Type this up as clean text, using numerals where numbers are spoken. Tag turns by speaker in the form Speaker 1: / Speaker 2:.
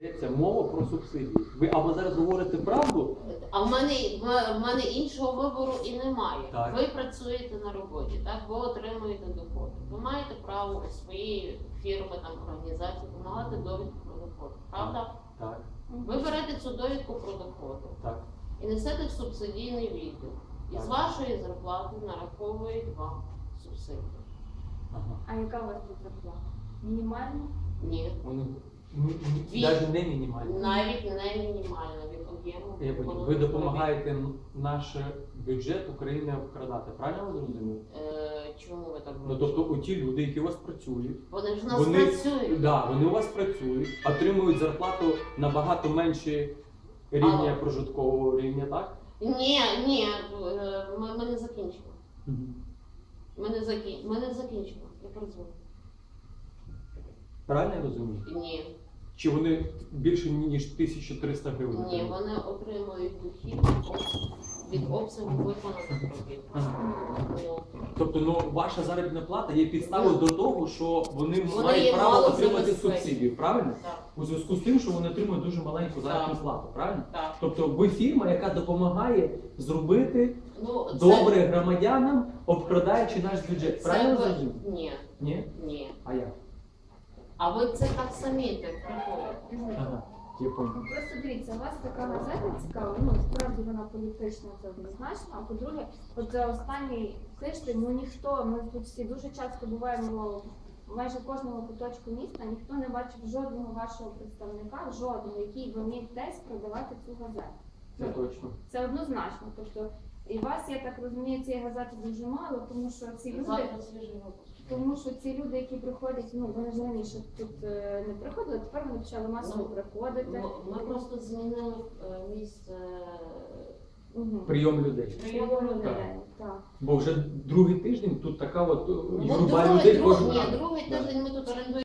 Speaker 1: Йдеться мова про субсидії. Ви або зараз говорите правду,
Speaker 2: А в мене іншого вибору і немає.
Speaker 1: Так.
Speaker 2: Ви працюєте на роботі, так? Ви отримуєте доходи. Ви маєте право у своєї фірми, там, організації вимагати довідку про доходи. Правда?
Speaker 1: так,
Speaker 2: Ви берете цю довідку про доходи
Speaker 1: так.
Speaker 2: і несете в субсидійний відділ. І з
Speaker 1: Так.
Speaker 2: вашої зарплати нараховують вам субсидію.
Speaker 1: Ага.
Speaker 3: А яка у вас тут зарплата? Мінімальна?
Speaker 2: Ні.
Speaker 1: Вони
Speaker 2: Від-
Speaker 1: навіть не мінімальні.
Speaker 2: Навіть не мінімальна від об'єму.
Speaker 1: Я понял. Ви допомагаєте наш бюджет України обкрадати. Правильно ви зрозуміли?
Speaker 2: Чому ви так
Speaker 1: Ну, тобто у ті люди, які у вас працюють,
Speaker 2: Вони ж в нас працюють.
Speaker 1: да, вони у вас працюють, отримують зарплату набагато менше рівня
Speaker 2: Але-
Speaker 1: прожиткового рівня, так?
Speaker 2: Ні, ми не закінчимо. Ми не закінчимо. Я працюю.
Speaker 1: Правильно я розумію?
Speaker 2: Ні.
Speaker 1: Чи вони більше ніж 1300 гривень?
Speaker 2: Ні,
Speaker 1: отримують?
Speaker 2: вони отримують дохід від обсягу виконаних робіт. Ну,
Speaker 1: Тобто, ваша заробітна плата є підставою до того, що вони
Speaker 2: Вони
Speaker 1: мають
Speaker 2: є
Speaker 1: право
Speaker 2: мало
Speaker 1: отримати
Speaker 2: забезпечені.
Speaker 1: субсидію, правильно?
Speaker 2: так,
Speaker 1: У зв'язку з тим, що вони отримують дуже маленьку заробітну
Speaker 2: Так.
Speaker 1: плату, правильно?
Speaker 2: так.
Speaker 1: Тобто ви фірма, яка допомагає зробити
Speaker 2: Ну, це-
Speaker 1: добре громадянам, обкрадаючи наш бюджет.
Speaker 2: це
Speaker 1: Правильно
Speaker 2: ви-
Speaker 1: зрозумів?
Speaker 2: Ні,
Speaker 1: Ні?
Speaker 2: ні.
Speaker 1: А як?
Speaker 2: А ви це так самі так приходите.
Speaker 1: Ага, я понял.
Speaker 3: Просто дивіться, у вас така газета цікава, ну справді вона політична, це однозначно. А по-друге, от за останній тиждень, ми тут всі дуже часто буваємо майже в кожному куточку міста, ніхто не бачив жодного вашого представника, жодного, який би міг десь продавати цю газету.
Speaker 1: Це точно.
Speaker 3: Це однозначно. Тобто, і вас, я так розумію, цієї газети дуже мало, тому що ці люди.
Speaker 2: Завтра свіжий випуск.
Speaker 3: Тому що ці люди, які приходять, вони ж раніше тут не приходили, тепер вони почали масово приходити.
Speaker 2: Ми просто змінили місце
Speaker 3: Мгм.
Speaker 1: Прийом людей.
Speaker 2: прийому людей.
Speaker 3: Так.
Speaker 1: Бо вже другий тиждень тут така от
Speaker 2: Ну,
Speaker 1: юрба людей кожен ранок.
Speaker 2: другий
Speaker 1: Да.
Speaker 2: тиждень ми тут орендуємо.